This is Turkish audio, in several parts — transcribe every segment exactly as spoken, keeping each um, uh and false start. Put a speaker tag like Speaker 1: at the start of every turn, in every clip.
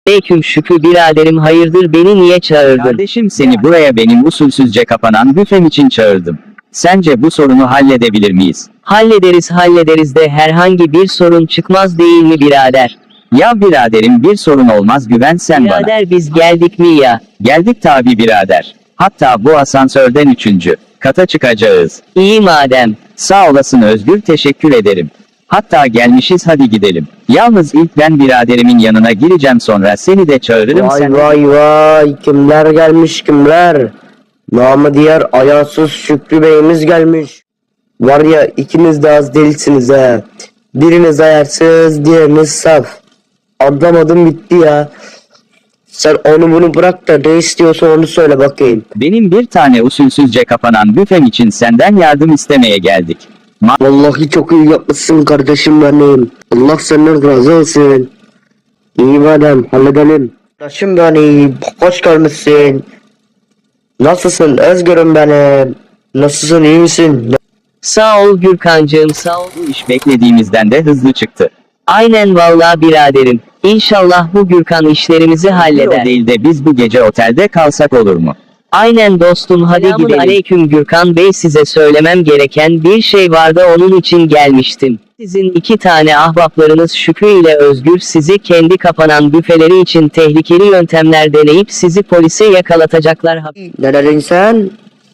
Speaker 1: Aleyküm Şükrü biraderim, hayırdır, beni niye çağırdın?
Speaker 2: Kardeşim, seni buraya benim usulsüzce kapanan büfem için çağırdım. Sence bu sorunu halledebilir miyiz?
Speaker 1: Hallederiz hallederiz de herhangi bir sorun çıkmaz değil mi birader?
Speaker 2: Ya biraderim, bir sorun olmaz, güven sen bana.
Speaker 1: Birader biz geldik mi ya?
Speaker 2: Geldik tabi birader. Hatta bu asansörden üçüncü kata çıkacağız.
Speaker 1: İyi madem.
Speaker 2: Sağ olasın Özgür, teşekkür ederim. Hatta gelmişiz, hadi gidelim. Yalnız ilk ben biraderimin yanına gireceğim, sonra seni de çağırırım.
Speaker 3: Vay
Speaker 2: sen...
Speaker 3: vay vay, kimler gelmiş kimler? Namı diğer ayarsız Şükrü Bey'imiz gelmiş. Var ya, ikiniz de az değilsiniz he. Biriniz ayarsız, diğeriniz saf. Anlamadım bitti ya. Sen onu bunu bırak da ne istiyorsan onu söyle bakayım.
Speaker 2: Benim bir tane usulsüzce kapanan büfem için senden yardım istemeye geldik. Ma
Speaker 3: Vallahi çok iyi yapmışsın kardeşim benim. Allah senden razı olsun. İyi madem, halledelim. Kardeşim benim, hoş gelmişsin. Nasılsın Özgür'üm benim? Nasılsın, iyi misin?
Speaker 1: Sağ ol Gürkancığım, sağ ol.
Speaker 2: bu iş beklediğimizden de hızlı çıktı.
Speaker 1: Aynen vallahi biraderim. İnşallah bu Gürkan işlerimizi
Speaker 2: O
Speaker 1: halleder.
Speaker 2: değil de biz bu gece otelde kalsak olur mu?
Speaker 1: Aynen dostum, hadi
Speaker 2: Selamun
Speaker 1: gidelim. Aleyküm Gürkan Bey, size söylemem gereken bir şey vardı, onun için gelmiştim. Sizin iki tane ahbaplarınız Şükrü ile Özgür sizi kendi kapanan büfeleri için tehlikeli yöntemler deneyip sizi polise yakalatacaklar.
Speaker 3: Ne dedin sen?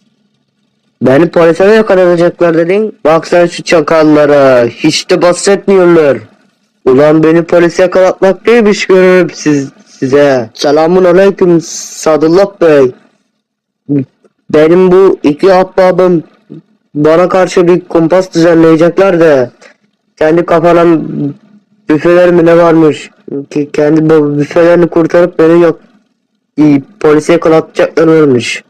Speaker 3: Beni polise mi yakalayacaklar dedin? Bak sen şu çakallara, hiç de bahsetmiyorlar. Ulan beni polise yakalatmak neymiş görürüm siz, size. Selamun aleyküm Sadullah Bey. Benim bu iki ahbabım bana karşı bir kumpas düzenleyecekler de kendi kafanan büfeler mi ne varmış ki kendi bu büfelerini kurtarıp beni yok polise yakalatacaklar varmış.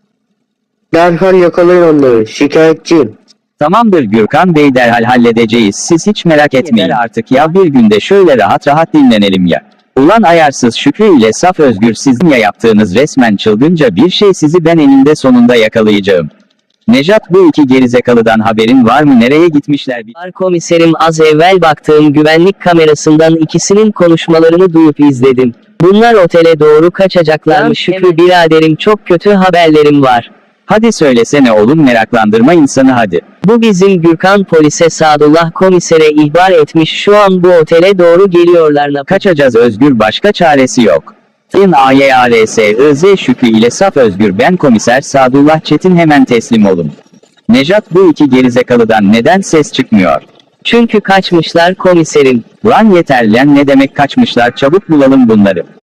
Speaker 3: Derhal yakalayın onları, şikayetçiyim.
Speaker 2: Tamamdır Gürkan Bey, derhal halledeceğiz, siz hiç merak etmeyin. Yeter artık ya, bir günde şöyle rahat rahat dinlenelim ya. Ulan ayarsız Şükrü ile saf Özgür, sizin ya yaptığınız resmen çılgınca bir şey, sizi ben eninde sonunda yakalayacağım. Nejat, bu iki gerizekalıdan haberin var mı, nereye gitmişler?
Speaker 1: Var komiserim, az evvel baktığım güvenlik kamerasından ikisinin konuşmalarını duyup izledim. Bunlar otele doğru kaçacaklarmış Şükrü biraderim, çok kötü haberlerim var.
Speaker 2: Hadi söylesene oğlum, meraklandırma insanı hadi.
Speaker 1: Bu bizim Gürkan polise Sadullah komisere ihbar etmiş, şu an bu otele doğru geliyorlar.
Speaker 2: Kaçacağız Özgür, başka çaresi yok. Tın A Y A R S I Z Şükrü ile saf Özgür, ben komiser Sadullah Çetin, hemen teslim olun. Nejat, bu iki gerizekalıdan neden ses çıkmıyor?
Speaker 1: Çünkü kaçmışlar komiserim.
Speaker 2: Lan yeter lan, ne demek kaçmışlar, çabuk bulalım bunları.